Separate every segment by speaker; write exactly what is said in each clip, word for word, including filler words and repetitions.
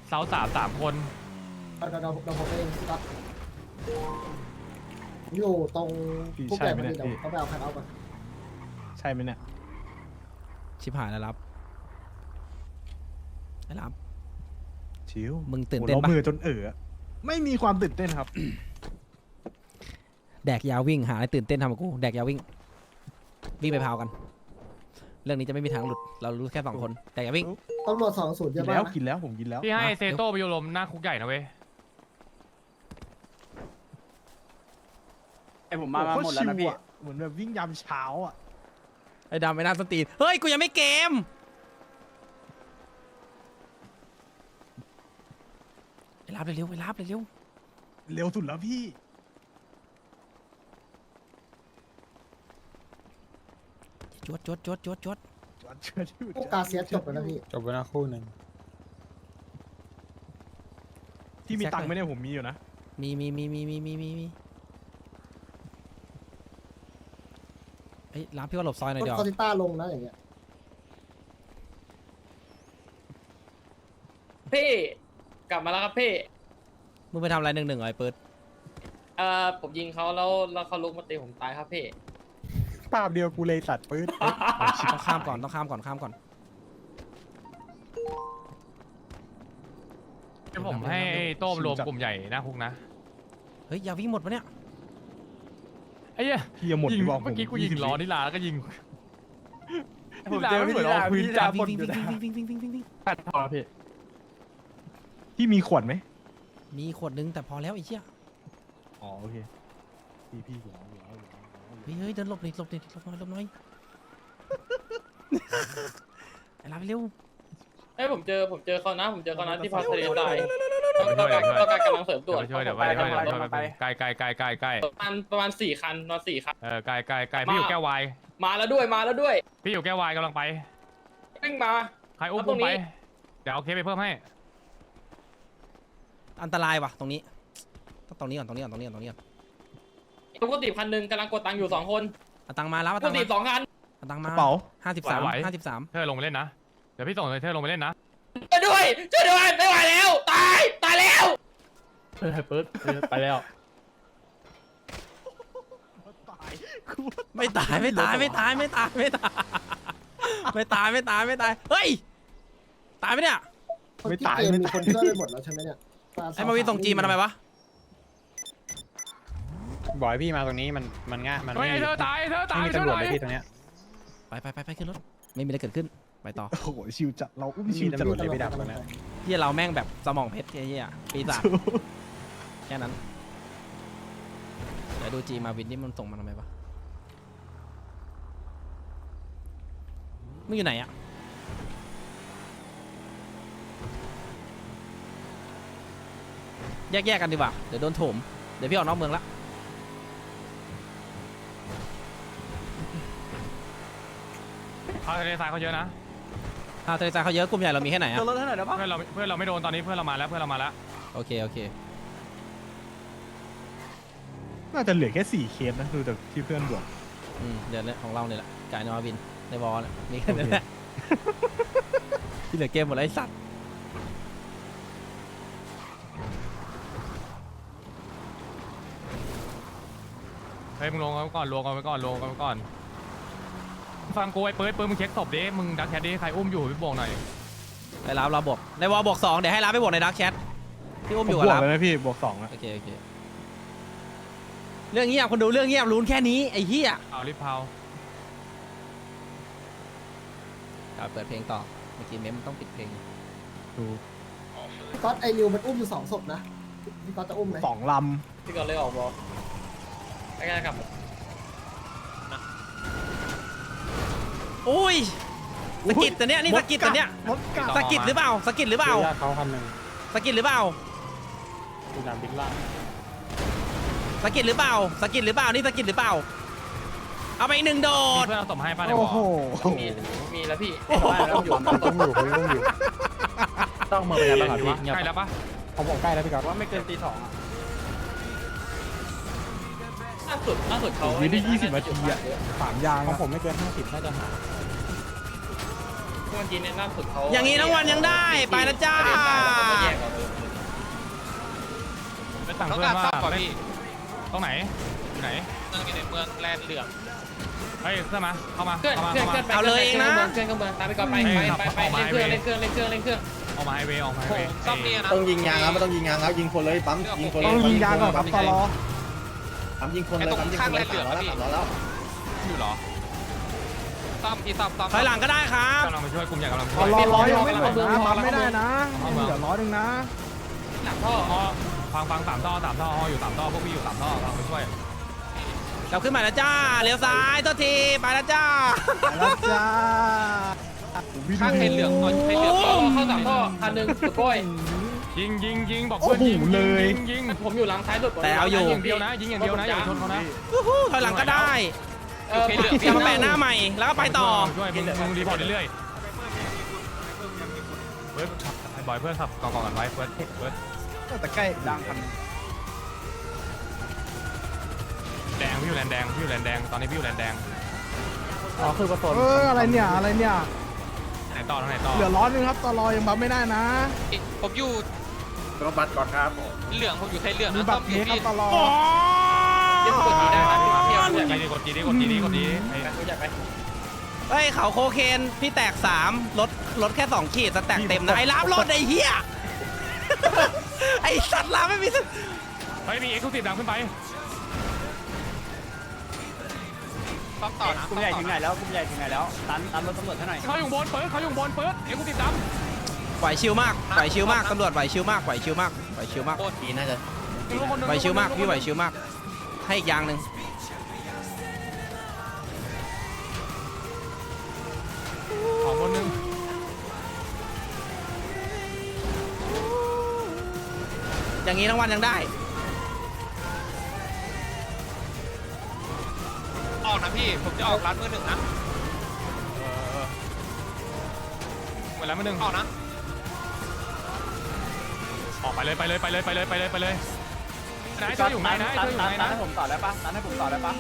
Speaker 1: เสาสามสามคน
Speaker 2: เราเราเราผมเองครับอยู่ตรงพวกใหญ่พอดีเดี๋ยวเขาไปเอาคันเอาก่อน
Speaker 3: ใช่ไหมเนี่ย
Speaker 4: ชิบหายแล้วรับไอ้รับ
Speaker 3: ชิว
Speaker 4: มึงตื่นเต้นปะ
Speaker 3: โอ้โหมือจนเอ๋อไม่มีความตื่นเต้นครับ
Speaker 4: แดกยาวิ่งหาอะไรตื่นเต้นทำกับกูแดกยาวิ่งวิ่งไปพาวกัน เรื่องนี้จะไม่มีทางหลุดเรารู้แค่สองคนแดกยาวิ่ง
Speaker 2: ตำรวจสองศูนย์เย
Speaker 3: กิ
Speaker 2: อะ
Speaker 3: น
Speaker 2: มา
Speaker 3: แล้ว
Speaker 2: กนะ
Speaker 3: กินแล้วผมกินแล้ว
Speaker 1: พี่ให้
Speaker 4: มา
Speaker 1: เซโต้ไปโยลมหน้าคุกใหญ่นะเว้ย
Speaker 5: ไอผมมามาหมดแล้วนะพี่
Speaker 3: เหมือนแบบวิ่งยามเช้าอ่ะ
Speaker 4: ไอ้ดำไอ้หน้าสตรีนเฮ้ยกูยังไม่เกมไปรับเร็วๆไปรับเร็ว
Speaker 3: เร็วสุดแล้วพี่
Speaker 4: ๆจวดจวดจวดจวดจวด
Speaker 3: จอดเชื่อที่
Speaker 2: พวกกาเซียสจบแล้วนะพี่
Speaker 5: จบไปแล้วคู่หนึ่ง
Speaker 3: ที่มีตังค์ไหมเนี่ยผมมีอยู่นะ
Speaker 4: มีมีมีมีมีมีมีมีเอ้ยรับพี่ว่าหลบซอยหน่อย
Speaker 2: รถ
Speaker 4: เดี๋ยว
Speaker 2: คอติต้าลงนะอย่างเงี้ย
Speaker 6: พี่กลับมาแล้วครับพี่
Speaker 4: มึงไปทำอะไรหนึ่งหนึ่งไอ้เปิด
Speaker 6: เอ่อผมยิงเขาแล้วแล้วเขาลุกมาตีผมตายครับพี่
Speaker 3: ภาพเดียวกูเลยตัดปืน
Speaker 4: ต้องข้ามก่อนต้องข้ามก่อนข้ามก่อน
Speaker 1: เดี๋ยวผมให้ไอ้โต้มรวมกลุ่มใหญ่หน้าคุกนะ
Speaker 4: เฮ้ยอย่าวิ่งหมดปะเนี่ย
Speaker 1: ไอ้เหี้ย
Speaker 3: พี่ยังหมด
Speaker 1: ยิง
Speaker 3: ที่บอกผม
Speaker 1: เมื่อกี้กูยิงล้อนิลาแล้วก็ยิง
Speaker 5: ผมเจอพี่
Speaker 1: นิ
Speaker 5: ลา
Speaker 1: ลา
Speaker 5: พี่
Speaker 1: พื้น
Speaker 5: ลา
Speaker 1: จับ
Speaker 4: วิ่งวิ่งวิ่งวิ่งวิ่งวิ่งวิ่งวิ่งวิ่ง
Speaker 5: แปดพอพี่
Speaker 3: พี่มีขวดไหม
Speaker 4: มีขวดนึงแต่พอแล้วไอ้เชี่ย
Speaker 3: อ๋อโอเคพี่พี่หัวหัวหัวหัว
Speaker 4: เฮ้ยเฮ้ยเดินหลบหน่อยหลบหน่อยหลบหน่อยหลบหน่อยไอ้รับเร็ว
Speaker 6: เอ้ยผมเจอผมเจอเขานะผมเจอเขานะที่พาทะเลทรายต้องการต้องการกำลังเสริมด่วน
Speaker 1: เดี๋ยวไปช่วยเดี๋ยวไปช่วยเดี๋ยวไปช่วยไปใกล้ใกล้ใกล้ใกล้ใกล้
Speaker 6: ประมาณประมาณสี่คันประมาณสี่คัน
Speaker 1: เออใกล้ใกล้ใกล้พี่อยู่แก้ววาย
Speaker 6: มาแล้วด้วยมาแล้วด้วย
Speaker 1: พี่อยู่แก้ววายกำลังไป
Speaker 6: วิ่งมา
Speaker 1: ใครอุ้ม
Speaker 6: แล้วตร
Speaker 1: อุ้ม
Speaker 6: งนี้
Speaker 1: ไปเดี๋ยวเอาเคสไปเพิ่มให้
Speaker 4: อันตรายว่ะตรงนี้ต้องตรงนี้ก่อนตรงนี้ก่อนตรงนี้ก่อนตรงนี้ก่อน
Speaker 6: ทุกคนตีคันหนึ่งกำลังกดตังค์อยู่สองคน
Speaker 4: เอาตังค์มาแล้วเอา
Speaker 6: ทุ
Speaker 4: ตั
Speaker 6: ก
Speaker 4: ง
Speaker 6: คน
Speaker 4: ค์
Speaker 6: ตี
Speaker 4: มา
Speaker 6: สองคัน
Speaker 4: เอาตังค์
Speaker 3: ก
Speaker 4: มา
Speaker 3: ระเป๋า
Speaker 4: ห้าสิบสามห้าสิบสาม
Speaker 1: เธอลงไปเล่นนะเดี๋ยวพี่ส่งเธอลงไปเล่นนะ
Speaker 6: ช่วยด้วยช่วยด้วยไม่ไหวแล้วตายตายแล้ว
Speaker 5: เฮ้ยเปิดไปแล้ว
Speaker 4: ไม่ตายไม่ตายไม่ตายไม่ตายไม่ตายไม่ตายไม่ตายไม่ตายเฮ้ยตายไหมเนี่ย
Speaker 2: คนที่เกมมีคนช่วยไปหมดแล้วใช่ไหมเนี่ย
Speaker 4: ไอ้มาวินส่งจีมาทำไมวะ
Speaker 5: บอกให้พี่มาตรงนี้มันมันง่ายมัน
Speaker 1: เฮ้ย
Speaker 5: ไม่
Speaker 1: ไอ้เธอตายไอ้เธอตาย
Speaker 5: ไม่มี
Speaker 1: เธอ
Speaker 5: ตำรวจ
Speaker 1: ตาย
Speaker 5: เลยพี่ตรงเนี้ย
Speaker 4: ไปไปไปไปขึ้นรถไม่มีอะไรเกิดขึ้นไปต่อ
Speaker 3: โอ้โหชิวจัดเราอุ้ม
Speaker 5: ไม่
Speaker 3: ชิ
Speaker 5: มี
Speaker 3: วจัด
Speaker 5: ตำรวจเลยพี่ดำตรงเนี้ย
Speaker 4: เฮียเราแม่งแบบสมองเพชรเฮียปีศาจแค่นั้นเดี๋ยวดูจีมาวินนี่มันส่งมาทำไมวะมึงอยู่ไหนอะแยกๆกันดีกว่าเดี๋ยวโดนโถมเดี๋ยวพี่ออกนอกเมืองละ
Speaker 1: เขาทะเลทรายเขาเยอะนะ
Speaker 4: ถ้าทะเลทรายเขาเยอะกลุ่มใหญ่เรามีแค่ไหนอะ
Speaker 5: รถเท่าไหร่แล้วปะ
Speaker 1: เพื่อนเราเพื่อนเราไม่โดนตอนนี้เพื่อนเรามาแล้วเพื่อนเรามาแล้ว
Speaker 4: โอเคโอเค
Speaker 3: น่าจะเหลือแค่สี่เคสนะดูจากที่เพื่อนบอก
Speaker 4: อืมเดี๋ยวเนี่ยของเราเนี่ยแหละกายนอวินในบอลเนี่ยมีแค่นั้นแหละที่เหลือเกมหมดแล้วไอ้สัตว์
Speaker 1: เฮ้ยมึงลงกันไปก่อนลงกันไปก่อนลงกันไปก่อนฟังกูไอ้เปิดเปิดมึงเช็คศพดิมึงดักแคดดิใครอุ้มอยู่พี่บอกหน่อย
Speaker 4: ไอ้ลาบเราบวกในวอลบวกสองเดี๋ยวให้ลาบไปบวกในดักแชทที่อุ้ม
Speaker 3: ผม
Speaker 4: อยู่
Speaker 3: บ
Speaker 4: กับ
Speaker 3: วก
Speaker 4: ลาบ
Speaker 3: เลยนะพี่บวกสองอะ
Speaker 4: โอเคโอเคเรื่องเงียบคนดูเรื่องเงียบรู้แค่นี้ไอ้เหี้ย
Speaker 1: เอารีบเผา
Speaker 4: เปิดเพลงต่อเมื่อกี้เมมต้องปิดเพลง
Speaker 3: ดู
Speaker 2: พี่ก๊อตไอริวมันอุ้มอยู่สองศพนะพี่ก๊อตจะอุ้มไหม
Speaker 3: สองล
Speaker 6: พี่ก่อนเลยออกบอกใกล้ๆกลับ
Speaker 4: โอ้ยสกิดแต่เนี้ยนี่สกิดแต่เนี้ย
Speaker 3: รถกลับ
Speaker 4: สกิดหรือเปล่าสกิดหรือเปล่า
Speaker 5: ญาติเขาคันหนึ่ง
Speaker 4: สกิดหรือเปล่า
Speaker 5: พี่ดำบิ๊กล่าง
Speaker 4: สกิดหรือเปล่าสกิดหรือเปล่านี่สกิดหรือเปล่าเอาไปอีกหนึ่งโด
Speaker 1: มี
Speaker 4: ด
Speaker 1: เพื่อนเราส่งให้ป้าในบ
Speaker 3: โอ้
Speaker 1: อก
Speaker 3: โห
Speaker 6: มีมีแล้วพี่
Speaker 5: ต้องอยู่ต้องอยู่พี่ต้องอยู่ต้องเมืองเป็นไงบ้างครับพี่เงียบ
Speaker 1: ใกล้แล้วปะ
Speaker 5: ผมบอกใกล้แล้วพี่ก๊อฟว่าไม่เกินตีสองอ่ะ
Speaker 6: ล่าสุดล่าสุดเขา
Speaker 3: วิได้ยี่สิบนาทีอะสามยาง
Speaker 5: ของ
Speaker 3: อะ
Speaker 5: ผมไม่เกินห้าสิบน่าจะหา
Speaker 2: ร
Speaker 6: เมื่อกี้เนี่ยล่าสุดเขา
Speaker 4: อย่างนี้ทั้งวันยังได้ไปนะจ้า
Speaker 6: ทะเลทรายแล้วก็มาแยกเอาเลย
Speaker 1: ไปสั่งเพื่อนว่าเล่นตรงไหนอยู่ไหน
Speaker 7: เมืองอยู่ในเมืองแลนด์เหลือง
Speaker 1: เฮ้ยเพื่อนมาเข้ามา
Speaker 6: เคลื่อน
Speaker 1: เข้ามา
Speaker 6: เคลื่อน
Speaker 1: เข้า
Speaker 6: เคลื่
Speaker 1: มา
Speaker 6: อนไป
Speaker 4: เอาเลยเองนะ
Speaker 6: เคลื่อนเครื่องเมืองตามไปก่อนไปไปไปไปเล่นเครื่องเล่นเครื่องเล่นเครื่องเล่นเครื่อง
Speaker 1: ออกมาไฮเวย์ออกมาไฮ
Speaker 7: โผ
Speaker 1: เวย์
Speaker 7: ซ่อมเนี่ยนะ
Speaker 5: ต้องยิงยางครับไม่ต้องยิงยางครับยิงคนเลยปั๊มยิงคนเล
Speaker 3: ต้
Speaker 5: ย
Speaker 3: องยิงยางก่อนครับตลอ
Speaker 5: ปั๊มยิงคนเลยปั๊มยิงคนเลยสามร้อยแล้วสามร้อยแล้ว
Speaker 1: อยู่เหรอ
Speaker 7: ซ่อมที่ซ่อมซ่อม
Speaker 4: ถอยหลังก็ได้ครับ
Speaker 1: กำลังไปช่วยกลุ่มใหญ่กำลังไป
Speaker 3: ต
Speaker 1: ช่วย
Speaker 3: ลอร้อยยังไม่หมดนะปั๊มไม่ได้นะเหลือร้อยหนึ่งนะ
Speaker 6: หลังท่อ
Speaker 1: อ๋อฟังฟังสามท่อสามท่ออยู่สามท่อพวกพี่อยู่สามท่อกำลังไปช่วย
Speaker 4: เราขึ้นมาแล้วจ้าเลี้ยวซ้ายตัวทีไปแล้วจ้า
Speaker 3: แล้วจ้า
Speaker 7: ข้างไทยเหลืองก่อนไทยเหลือง
Speaker 6: ท่อเข้าสามท่อคันหนึ่งสุดก้อย
Speaker 1: ยิงยิงยิงบอกเพื่อนยิงยิงยิง
Speaker 6: ผมอยู่หลังท้ายสุด
Speaker 4: แต่เอาอยู่
Speaker 1: ยิงอย่างเดียวนะยิงอย่างเดียวนะอย่าชนเขานะ
Speaker 4: วู้ฮู้ถอยหลังก็ได้
Speaker 6: เออ
Speaker 4: เดี๋ยวมาแปะหน้าใหม่แล้วก็ไปต่อ
Speaker 1: ช่วยมึงมึงรีพอร์ตเรื่อยๆเฮ้ยบ่อยเพื่อนขับกองกองกันไว้เพื่อนเพื่อน
Speaker 3: แต่ใกล้ดังพัน
Speaker 1: แดงพี่อยู่แลนแดงพี่อยู่แลนแดงตอนนี้พี่อยู่แลนแดง
Speaker 5: อ๋อคือกระสุน
Speaker 3: เอออะไรเนี่ยอะไรเนี่ย
Speaker 1: ไหนต่อทางไหนต่อ
Speaker 3: เหลือร้อยหนึ่งครับตลอยังปั๊มไม่ได้นะ
Speaker 7: ผมอยู่
Speaker 5: รถบัสก่อนครับ
Speaker 7: เหลืองผมอยู่ไทยเหลือง
Speaker 3: มี
Speaker 7: นะ
Speaker 3: บั
Speaker 7: ซ่
Speaker 3: ต
Speaker 7: อ
Speaker 3: ร
Speaker 7: ม
Speaker 3: เพ
Speaker 7: อยู่
Speaker 3: ครับ
Speaker 7: ที่
Speaker 3: ตลอ
Speaker 6: เล่นกดดีได้นะเที่ยว
Speaker 1: ก
Speaker 6: เพื่อน
Speaker 1: ดจีดีกดจีดีกดจีดีกดจีดี
Speaker 6: รู้จักไหม
Speaker 4: เฮ้ยเขาโคเคนพี่แตกสามลดลดแค่สองขีดสแต็กเต็มนะไอ้รับรถไอ้เหี้ย ไอ้สัตว์ลาไม่มี
Speaker 1: เฮ้ยมีเอ็กซ์คลูซีฟดังขึ้นไป
Speaker 7: ซ่อมต่อนะ
Speaker 8: กลุ่มใหญ่ถึงไหนแล้วกลุ่มใหญ่ถึงไหนแล้วตันตันรถตำรวจให้หน่อย
Speaker 1: เขาอยู่บนเปิดเขาอยู่บนเปิดเอ็กซ์คลูซีฟดัง
Speaker 4: ไหวชิวมากไหวชิวมากตำรวจไหวชิวมากไหวชิวมากไหวชิวมาก
Speaker 5: ปีน่าจะ
Speaker 4: ไหวชิวมากพี่ไหวชิวมากให้อีกอย่างหนึ่ง
Speaker 1: ของคนนึง
Speaker 4: อย่างนี้ทั้งวันยังได้
Speaker 7: ออกนะพี่ผมจะออกร้านมือหนึ่งนะ
Speaker 1: เวลามาหนึ่ง
Speaker 7: ออกนะ
Speaker 1: ออกไปเลยไปเลยไปเลยไปเลยไปเลยไปเลยนายช่วยอยู่ไหนนะ
Speaker 8: ตั
Speaker 1: ช่วยอยู่
Speaker 8: ตั
Speaker 1: ไหน
Speaker 8: ตัน
Speaker 1: นะ
Speaker 8: ให้ผมต่อได้ปะตันให้ผมต่อได้ปะ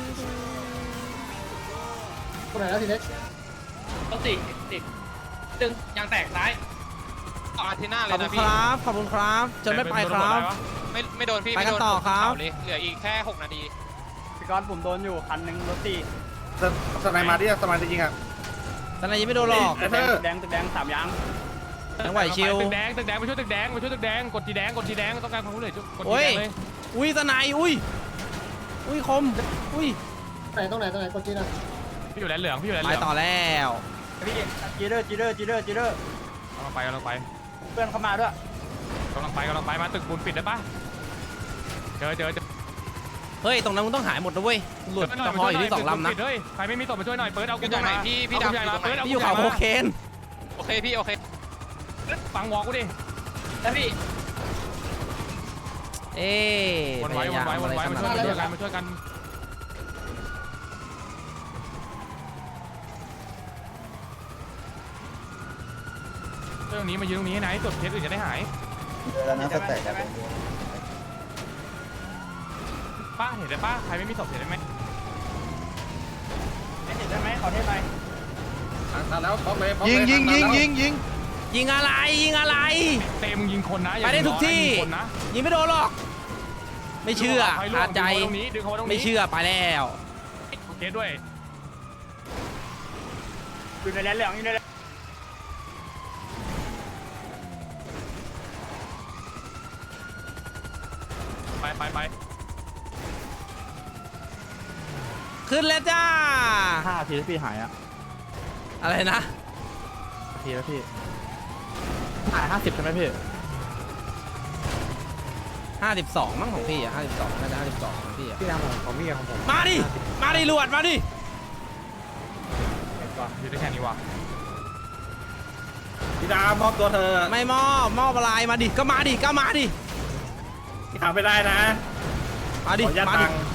Speaker 2: คนไหนแล้วทีเล็ก
Speaker 6: ต้องติดติดดึงยางแตกซ้าย
Speaker 7: ออกอาทิตย์หน้าเล
Speaker 4: ขอย บคุ
Speaker 7: นะ
Speaker 4: ณค
Speaker 7: พี่
Speaker 4: รับขอบคุณครับจนไม่ไปครับ
Speaker 7: ไม่ไม่โดนพี่
Speaker 4: ไปกัน
Speaker 7: ม่โด
Speaker 4: ต่อครับ
Speaker 7: เผาเลยเหลืออีกแค่หกนาที
Speaker 8: พี่ก้อนผมโดนอยู่คันหนึ่งรถตี
Speaker 5: สไนมาดิสไนมาจริงอ่ะ
Speaker 4: ตอนนี้ยังไม่โดนหรอก
Speaker 8: ตึกแดงตึกแดงตึกแดงสามยาง
Speaker 4: ยังไหวชิว
Speaker 1: ตึกแดงตึกแดงไปช่วยตึกแดงไปช่วยตึกแดงกดจีแดงกดจีแดงต้องการความรู้เลยกดจี
Speaker 4: โอ้
Speaker 1: แด
Speaker 4: ย
Speaker 1: งเลย
Speaker 4: อุ้ยสนายอุ้ยอุ้ยคมอุ้ย
Speaker 2: ไหนตรงไหนตรงไหนกดจีนะ
Speaker 1: พี่อยู่แลนเหลืองพี่อยู่แลนเห
Speaker 4: ไป
Speaker 1: ลือง
Speaker 4: ต่อแล้ว
Speaker 8: พี่จีเดอร์จีเดอร์จีเดอร์จีเดอร์
Speaker 1: กำลังไปกำลังไป
Speaker 8: เพื่อนเข้ามาด้วย
Speaker 1: กำลังไปกำลังไปมาตึกปูนปิดได้ปะเจอเจอเจอ
Speaker 4: เฮ้ยตรงนั้นมึงต้องหายหมดนะเว้ยหลุดกระเพาะอยู่ที่สองลำนะ
Speaker 1: เฮ้ยใครไม่มีศพมาช่วยหน่อยเปิดเอา
Speaker 7: อยู่ตรงไหนพี่พี่ดำ
Speaker 1: ใหญ่
Speaker 7: อยู่
Speaker 1: มา
Speaker 7: ตรงไหน
Speaker 1: เปิดเอา
Speaker 4: พี่อยู่เขาโคเคน
Speaker 7: โอเคพี่โอเค
Speaker 1: ฟังวอลกูดิ
Speaker 6: แล้วพี่
Speaker 4: เอ๊ะ
Speaker 1: วนไว้วนไว้วนไว้มาช่วยมาช่วยกันมาช่วยกันเรื่องนี้มายืนตรงนี้ให้ไหนตรวจเคสอื่นจะได้หาย
Speaker 5: แล้วนะสแต็กครับ
Speaker 1: ป้าเห็นได้ป้าใครไม่มีศพเห็นได้ไหม
Speaker 8: เห็นได้ไหมขอเทสหน่อย
Speaker 5: ทันแล้วพร้อมเลย
Speaker 3: ยิงยิงยิงยิงยิง
Speaker 4: ยิงอะไรยิงอะไร
Speaker 1: เต็มยิงคนนะ
Speaker 4: ไปได้ทุกที่
Speaker 1: คนนะ
Speaker 4: ยิงไม่โดนหรอก ไม่เชื่ออาใจ
Speaker 1: ตรงนี้ดึงเขาตรงนี้
Speaker 4: ไม่เชื่อไปแล้ว
Speaker 1: เคสด้วย
Speaker 8: อยู่ในแลนเหลืองอยู่ในแลน
Speaker 1: ไปไปไป
Speaker 4: ขึ้นแล้วจ้า
Speaker 3: ห้าทีแล้วพี่หายอ่ะ
Speaker 4: อะไรนะ
Speaker 3: ทีแล้วพี่หายห้าสิบใช่ไหมพี่
Speaker 4: ห้าสิบสองมั้งของพี่อ่ะห้าสิบสองน่าจะห้าสิบสองของพี่อ่ะ
Speaker 3: พี่นำของของพี่กับของผม
Speaker 4: มาดิ มาดิลวดมาดิ
Speaker 1: อยู่ได้แค่นี้วะ
Speaker 5: พี่ดาวมอบตัวเธอ
Speaker 4: ไม่มอบมอบอะไรมาดิ ก็มาดิ ก็มาดิ
Speaker 5: พี่ทำไม่ได้นะ
Speaker 4: มาดิ
Speaker 5: ขออนุญาต
Speaker 4: มาดิ
Speaker 5: ตังค์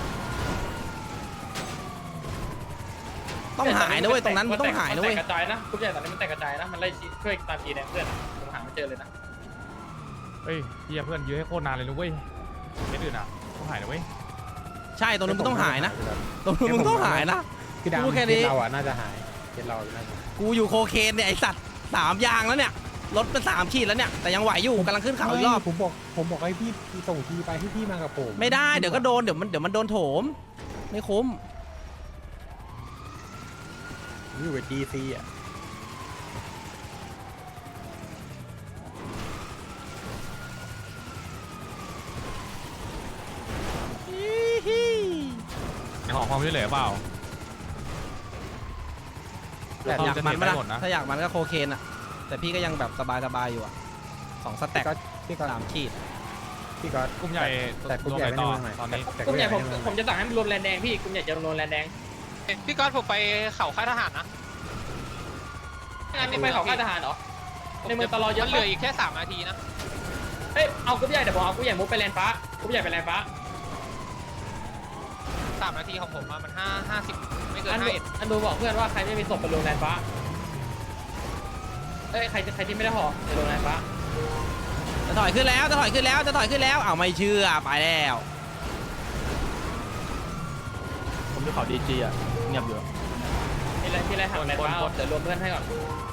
Speaker 4: ต้องหายนะเว้ย ตรงนั้นมันต้องหายนะเว้ย
Speaker 6: แตกกระจายนะทุกอย่างตอนนี้มันแตกกระจายนะมันไล่ช่วยตามจีแดงเพื่อนผมหาไม่เจอเลยนะ
Speaker 1: เฮ้ยเฮียเพื่อนยื้อให้โคตรนานเลยนะเว้ยเคสอื่นอ่ะต้องหายนะเว้ย
Speaker 4: ใช่ ตรงนู้นมึงต้องหายนะ ตรงนู้นมึงต้องหายนะ
Speaker 3: พี่ดาว
Speaker 4: พูดแค่นี้
Speaker 3: เราอ่ะน่าจะหายเกณฑ์เราน่าจะ
Speaker 4: กูอยู่โคเคนเนี่ยไอสัตว์สามยางแล้วเนี่ยรถเป็นสามขีดแล้วเนี่ยแต่ยังไหวอยู่กำลังขึ้นเขาอีกรอบ
Speaker 5: ผมบอกผมบอกให้พี่ส่งทีไปให้พี่มากับผม
Speaker 4: ไม่ได้เดี๋ยวก็โดนเดี๋ยวมันเดี๋ยวมันโดนโถมไม่คุ้ม
Speaker 5: อยู่กับดีซีอ่ะ
Speaker 1: ขอความช่วยเหลือเปล่า
Speaker 4: อยากมัน
Speaker 1: ไม่
Speaker 4: ปะ
Speaker 1: ได้
Speaker 4: ล่ะ
Speaker 1: หมดนะ
Speaker 4: ถ้าอยากมันก็โคเคนอะแต่พี่ก็ยังแบบสบายสบายอยู่อะสองสแต็ก
Speaker 5: ก็พี่ก็
Speaker 4: สามขีด
Speaker 5: พี่ก็
Speaker 1: กลุ่มใหญ่
Speaker 5: แต่กลุ่มใหญ่
Speaker 1: รว
Speaker 5: ไม่
Speaker 1: ม
Speaker 5: ได้
Speaker 1: ไป
Speaker 5: เมืองใหม่
Speaker 1: ต่อตอนนี้
Speaker 5: แต่
Speaker 6: กลุ่มใหญ่ผม
Speaker 5: ไได้เอง
Speaker 6: ผมจะสั่งให้มันรวมแลนแดงพี่กลุ่มใหญ่จะรวมแลนแดง
Speaker 7: พี่ก๊อตผมไปเขาค่ายทหารนะ
Speaker 6: งานนี้ไปเขาค่ายทหารเหรอในเมืองตลอดเยอะ
Speaker 7: มันเห
Speaker 6: ปะ
Speaker 7: ลืออีกแค่สามนาทีนะ
Speaker 6: เอ้ยเอากลุ่มใหญ่เดี๋ยวผมเอากลุ่มใหญ่มุกไปแลนฟ้ากลุ่มใหญ่ไปแลนฟ้า
Speaker 7: สามนาทีของผมอะมันห้าห้าสิบไม่เกิน
Speaker 6: อัน
Speaker 7: ห้า
Speaker 6: ดู
Speaker 7: เอ็ด
Speaker 6: อันดูบอกเพื่อนว่าใครไม่มีศพไปรวมแลนฟ้าเอ้ยใครใครที่ไม่ได้ห่อไปรวมแลนฟ้า
Speaker 4: จะถอยขึ้นแล้วจะถอยขึ้นแล้วจะถอยขึ้นแล้วเอาไม่เชื่อไปแล้ว
Speaker 3: ผมดูเขาดีจีอ่ะเงียบอยู่
Speaker 6: มีอะไรมีอะไรหักแลนฟ้าเดี๋ยวรวมเพื่อนให้ก่อน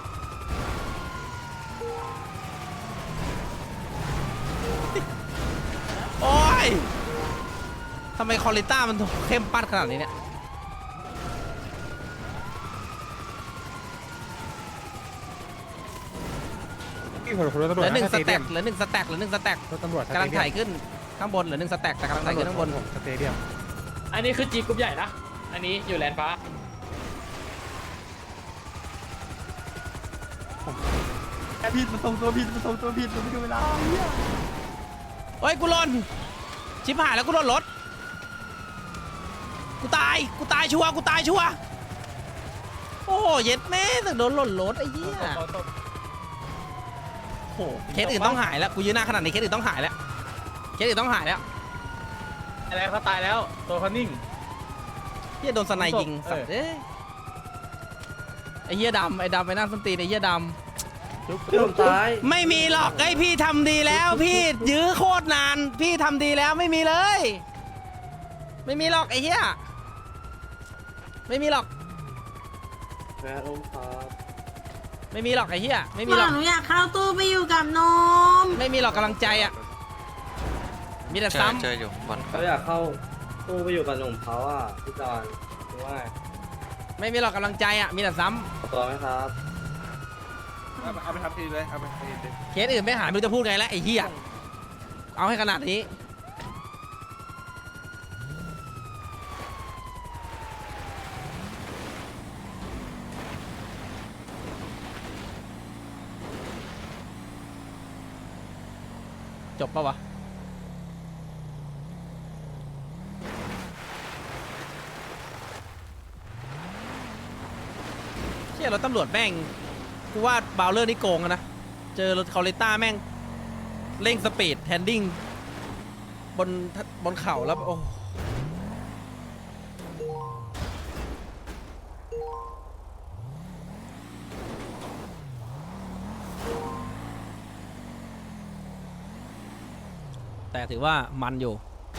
Speaker 4: โอ้ยทำไมคอลิต้ามันเข้มปัดขนาดนี้เนี่ย
Speaker 5: พี่ผมรถตำ
Speaker 4: เห
Speaker 5: รวจ
Speaker 4: ลือหนึ่ง
Speaker 5: นะ
Speaker 4: ส
Speaker 5: เตเดี
Speaker 4: แต็
Speaker 5: ย
Speaker 4: ก
Speaker 5: ม
Speaker 4: เหลือหนึ่งสแต็กเหลือหนึ่งสแต็ก
Speaker 5: รถตำรวจ
Speaker 4: กำลังถ่ายขึ้นข้างบนเหลือหนึ่งสแต็กแต่กำลังถ่ายขึ้นข้างบน
Speaker 5: ผมสเตเดียม
Speaker 6: อันนี้คือจีกลุ่มใหญ่นะอันนี้อยู่แลนฟ้า
Speaker 8: ผิดมันส่งตัวผิดมันส่งตัวผิดมันไม่ดูเวลา
Speaker 4: เฮ้ยกูหล่นชิบหายแล้วกูหล่นรถกูตายกูตายชัวร์กูตายชัวร์โอ้เย็ดแม่แต่โดนหล่นรถไอ้เหี้ยโอ้เคสอื่นต้องหายแล้วกูยืนหน้าขนาดนี้เคสอื่นต้องหายแล้วเคสอื่นต้องหายแล้ว
Speaker 3: อะไรเขาตายแล้วตัวเขานิ่ง
Speaker 4: เหี้ยโดนสไนยิงสัตว์เอ้ยไอ้เหี้ยดำไอ้ดำไอ้หน้าส้นตีนไอ้เหี้ยดำไม่มีหรอกไอ้พี่ทำดีแล้วพี่ยื้อโคตรนานพี่ทำดีแล้วไม่มีเลย ไม่มีหรอกไอ้เหี้ยไม่มีหรอกไม่มีหรอกไอ้เหี้ยไม่มีหรอก
Speaker 9: หนูอยากเข้าตู้ไปอยู่กับนม
Speaker 4: ไม่มีหรอกกำลังใจอ่ะมีแต่ซ้ำ
Speaker 7: เจออยู่วัน
Speaker 10: เขาอยากเข้าตู้ไปอยู่กับหนุ่มเขาอ่ะพี่จอนคือว่า
Speaker 4: ไม่มีหรอกกำลังใจอ่ะมีแต่ซ้
Speaker 10: ขอตัวไหมครับ
Speaker 3: เอาไปทำทีเลยเอาไปทำทีเลย
Speaker 4: ำเคสอื่นไม่หายไม่รู้จะพูดไงแล้วไอ้เหี้ยเอาให้ขนาดนี้จบปะวะเชี่ยรถตำรวจแม่งกูว่าบาวเลอร์นี่โกงอะนะเจอรถคาริต้าแม่งเร่งสปีดแฮนดิ้งบนบนเขาแล้วโอ้แต่ถือว่ามันอยู่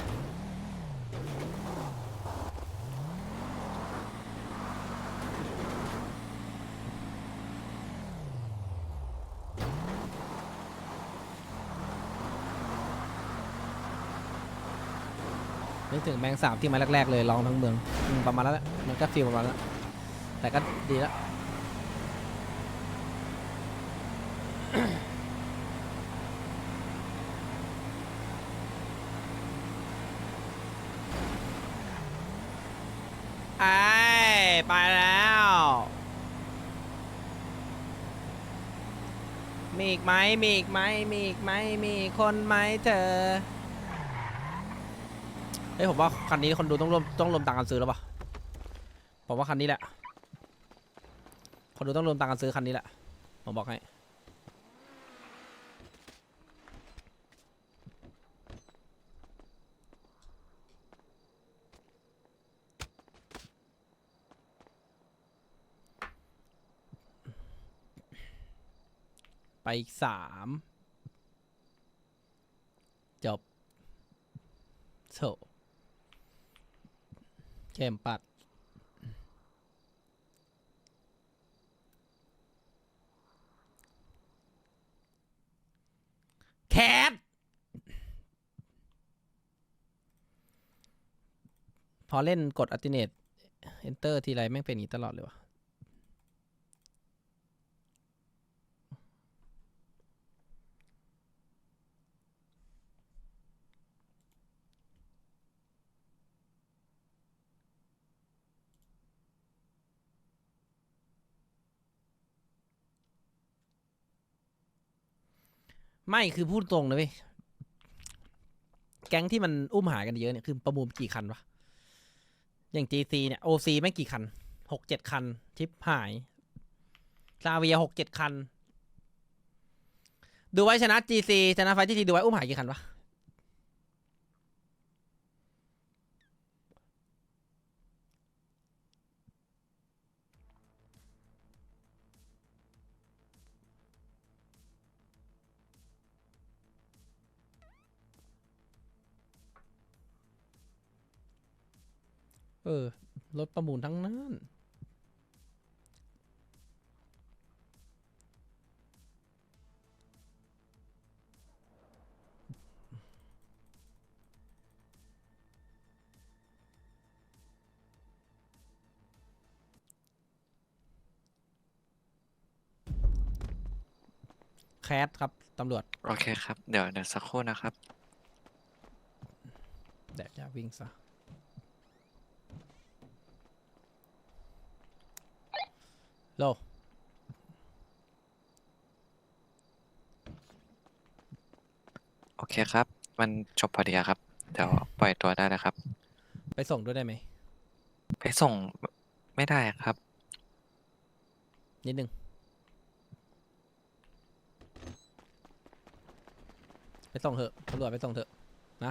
Speaker 4: นึกถึงแมงสาบที่มาแรกๆเลยลองทั้งเมืองอืมประมาณนั้นแหละมันก็ฟีลประมาณนั้น แต่ก็ดีแล้ว ไอ้ไปแล้ว มีอีกไหมมีอีกไหมมีอีกไหมมีคนไหมเธอเฮ้ยผมว่าคันนี้คนดูต้องรวมต้องรวมตังค์กันซื้อแล้วป่ะผมว่าคันนี้แหละคนดูต้องรวมตังค์กันซื้อคันนี้แหละผมบอกให้ไปอีกสามจบโถเข้มปัดทพอเล่นกด alternate enter ทีไรแม่งเป็นอย่างนี้ตลอดเลยวะไม่คือพูดตรงนะเว้ยแก๊งที่มันอุ้มหายกันเยอะเนี่ยคือประมูลกี่คันวะอย่าง จี ซี เนี่ย โอ ซี แม่งกี่คันหกเจ็ดคันทิปหายซาเวียหกเจ็ดคันดูไว้ชนะ จี ซี ชนะไฟที่ทีดูไว้อุ้มหายกี่คันวะเออรถประมูลทั้งนั้นแคสครับตำรวจ
Speaker 11: โอเคครับ เดี๋ยวเดี๋ยวสักครู่นะครับ
Speaker 4: แดดจะวิ่งซะโล
Speaker 11: โอเคครับ มันจบพอดีครับ เดี๋ยวปล่อยตัวได้แล้วครับ
Speaker 4: ไปส่งด้วยได้ไหม
Speaker 11: ไปส่งไม่ได้ครับ
Speaker 4: นิดนึงไปส่งเถอะตำรวจไปส่งเถอะนะ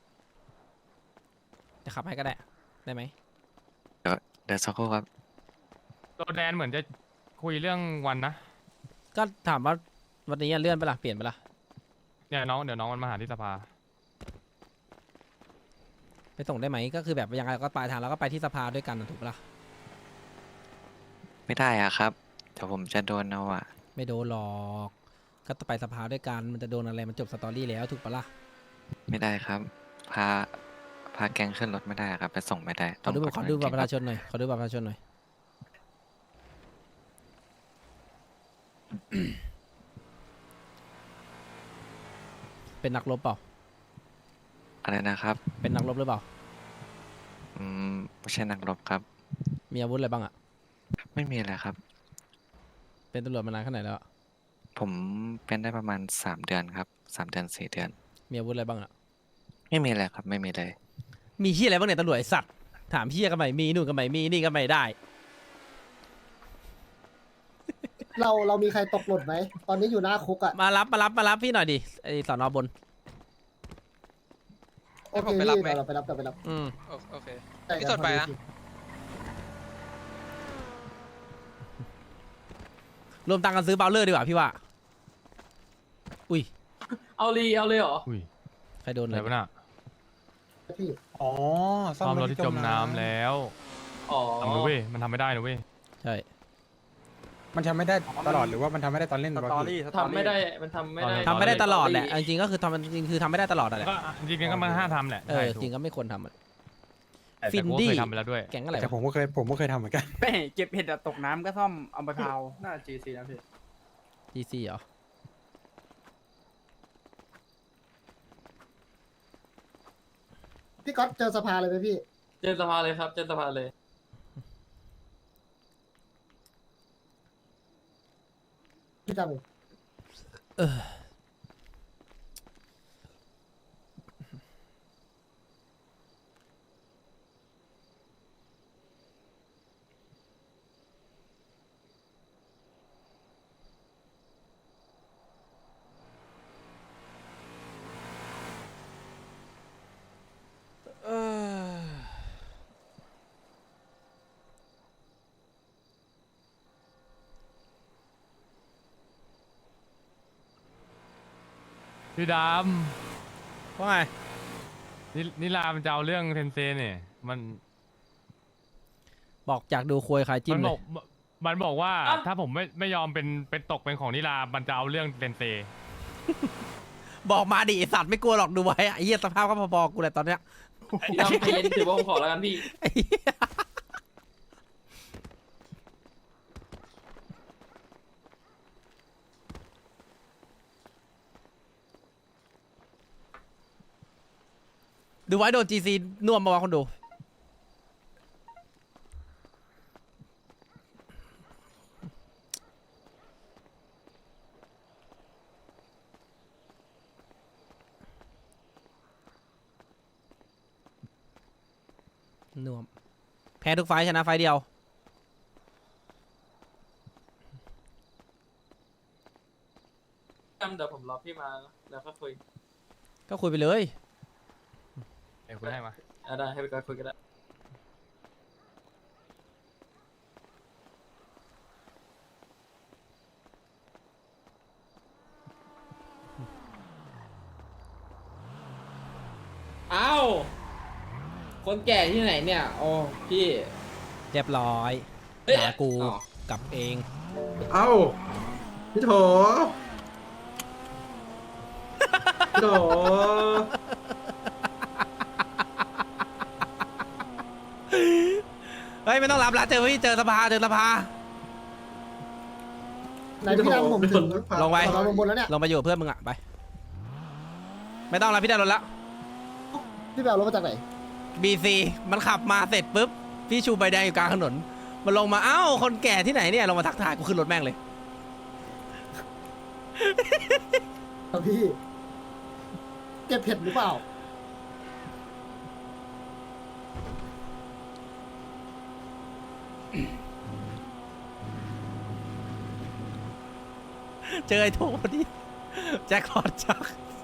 Speaker 4: จะขับให้ก็ได้ได้ไหม
Speaker 11: เดี๋ยวเดี๋ยวสักครู่ครับ
Speaker 1: โรแดนเหมือนจะคุยเรื่องวันนะ
Speaker 4: ก็ถามว่าวันนี้เลื่อนไปละเปลี่ยนไปละ
Speaker 1: เนี่ยน้องเดี๋ยวน้องมันมาหาที่สภา
Speaker 4: ไปส่งได้ไหมก็คือแบบยังไงก็ปลายทางแล้วก็ไปที่สภาด้วยกันนะถูกปะล่ะ
Speaker 11: ไม่ได้อะครับ เดี๋ยวผมจะโดนเอาอะ
Speaker 4: ไม่โดนหรอกก็ไปสภาด้วยกันมันจะโดนอะไรมันจบสตอรี่แล้วถูกปะล่ะ
Speaker 11: ไม่ได้ครับ พาพาแกงขึ้นรถไม่ได้ครับ ไปส่งไม่ได้
Speaker 4: ขอดู
Speaker 11: ต้ง
Speaker 4: ขอดูบัตรประชา
Speaker 11: ค
Speaker 4: ชนหน่อยขอดูบัตรประชาชนหน่อย เป็นนักรบเปล่า
Speaker 11: อะไรนะครับ
Speaker 4: เป็นนักรบหรือเปล่า
Speaker 11: อืมไม่ใช่นักรบครับ
Speaker 4: มีอาวุธอะไรบ้างอะ
Speaker 11: ไม่มีอะไรครับ
Speaker 4: เป็นตำรวจมานานแค่ไหนแล้วอะ
Speaker 11: ผมเป็นได้ประมาณสามเดือนครับสามเดือนสี่เดือน
Speaker 4: มีอาวุธอะไรบ้างอะ
Speaker 11: ไม่มีอะไรครับ ไม่มีเลย
Speaker 4: มีเฮียอะไรบ้างเนี่ยตำรวจไอ้สัตว์ถามเฮียกันใหม่มีนู่นกันใหม่มีนี่กันใหม่ได้
Speaker 2: เราเรามีใครตกหล่นไหมตอนนี้อยู่หน้าคุกอ่ะ
Speaker 4: มารับมารับมารับพี่หน่อยดิไอสอนอบน
Speaker 2: โอเคพี่เดี๋ยวเราไปรับเดี๋ยวไปรับ
Speaker 4: อืม
Speaker 7: โอเค
Speaker 2: ใช่
Speaker 7: พี่สดไปนะ
Speaker 4: รวมตังค์กันซื้อเบลเลอร์ดีกว่าพี่ว่าอุ้ย
Speaker 6: เอาลีเอาเลยเหรอ
Speaker 1: อุ้ย
Speaker 4: ใครโดน
Speaker 1: อะ
Speaker 4: อะไร ไร
Speaker 1: วะน่ะ
Speaker 2: พี่
Speaker 5: อ๋อ
Speaker 1: ซ่อมรถที่จมน้ำแล้ว
Speaker 6: อ๋อ
Speaker 1: ทำนะเว้ยมันทำไม่ได้นะเว้ย
Speaker 4: ใช่
Speaker 5: มันทำไม่ได้ตลอดหรือว่ามันทำไม่ได้ตอนเล่น
Speaker 8: ส
Speaker 5: วะ
Speaker 8: ตอ
Speaker 5: พี่
Speaker 8: รี่
Speaker 6: ทำไม่ได้ มันทำไม่ได้
Speaker 4: ทำไม่ได้ตลอดแหละเอาจริงๆก็คือทำจริงๆคือทำไม่ได้ตลอดอะแหละ
Speaker 1: ก็จริงๆก็มันห้ามทำแหละ
Speaker 4: เอ
Speaker 1: ใช่
Speaker 4: อ
Speaker 1: ถูก
Speaker 4: จริงก็ไม่ควรทำอะ
Speaker 1: แต่
Speaker 4: ฟิน
Speaker 1: กูก็
Speaker 4: ดี้
Speaker 1: เคยทำไปแล้วด้วย
Speaker 4: แก๊งอะไร
Speaker 5: แต่
Speaker 4: วะ
Speaker 5: ผมก็เคยผมก็เคยทำเหมือนกัน
Speaker 8: ไม่เก็บเห็ดอะตกน้ำก็ซ่อมเอาไปเผา
Speaker 10: น่า จี ซี นะพี่
Speaker 4: จีซีเหรอ
Speaker 2: พี่ก๊อตเจอสภาเลยไหมพี่
Speaker 6: เจอสภาเลยครับ เจอสภาเลย
Speaker 2: พี่จำเอง
Speaker 4: เออเออ
Speaker 1: พี่ด
Speaker 4: ว่าไง
Speaker 1: ำนี่นี่ลามันจะเอาเรื่องเทนเซเนี่ยมัน
Speaker 4: บอกอยากดูควยขายจิ้
Speaker 1: มั
Speaker 4: ม
Speaker 1: น
Speaker 4: เล
Speaker 1: บอย กมันบอกว่าถ้าผมไม่ไม่ยอมเป็นเป็นตกเป็นของนิลามันจะเอาเรื่องเทนเซ
Speaker 4: บอกมาดิไอ้สัตว์ไม่กลัวหรอกดูไว้อะไอ้เหี้ยสภาพก็พอๆกูแหละตอนเนี้ย
Speaker 6: พี่ดำใจเย็นถือว่าผมขอแล้วกันพี่
Speaker 4: ไอ้เหี้ยดูไว้โดนจีซีน่วมมาวะคนดูน่วมแพ้ทุกไฟล์ชนะไฟล์เดียว
Speaker 6: ดำเดี๋ยวผมรอพี่มาแล้วก็คุย
Speaker 4: ก็คุยไปเลย
Speaker 1: เอ้ยคุยให้มา
Speaker 6: อ่ะได้ให้ไปก่อนคุยกันได้อ้าวคนแก่ที่ไหนเนี่ยโอ้พี่
Speaker 4: เรียบร้อย
Speaker 6: เฮ้ย
Speaker 4: ด่ากู
Speaker 6: อ๋อ
Speaker 4: กลับเอง
Speaker 10: เอ้าพี่โถพี่โถ
Speaker 4: เฮ้ยไม่ต้องรับละเจอพี่เจอสภาเจอสภา
Speaker 2: ไหนพี่ดำผมถึง
Speaker 4: ลงไป
Speaker 2: เราลงบนแล้วเนี่ย
Speaker 4: ลงไปอยู่กับเพื่อนมึงอะไป ไม่ต้องแล้วพี่ได้รถละ
Speaker 2: พี่แบลรถมาจากไหน
Speaker 4: บีซีมันขับมาเสร็จปุ๊บ พี่ชูใบแดงอยู่กลางถนน มันลงมาเอ้าคนแก่ที่ไหนเนี่ยลงมาทักทายกูขึ้นรถแม่งเลย
Speaker 2: ครับพี่เก็บเผ็ดหรือเปล่า
Speaker 4: เจอไอ้โทพอดีแจ็คพอตจัก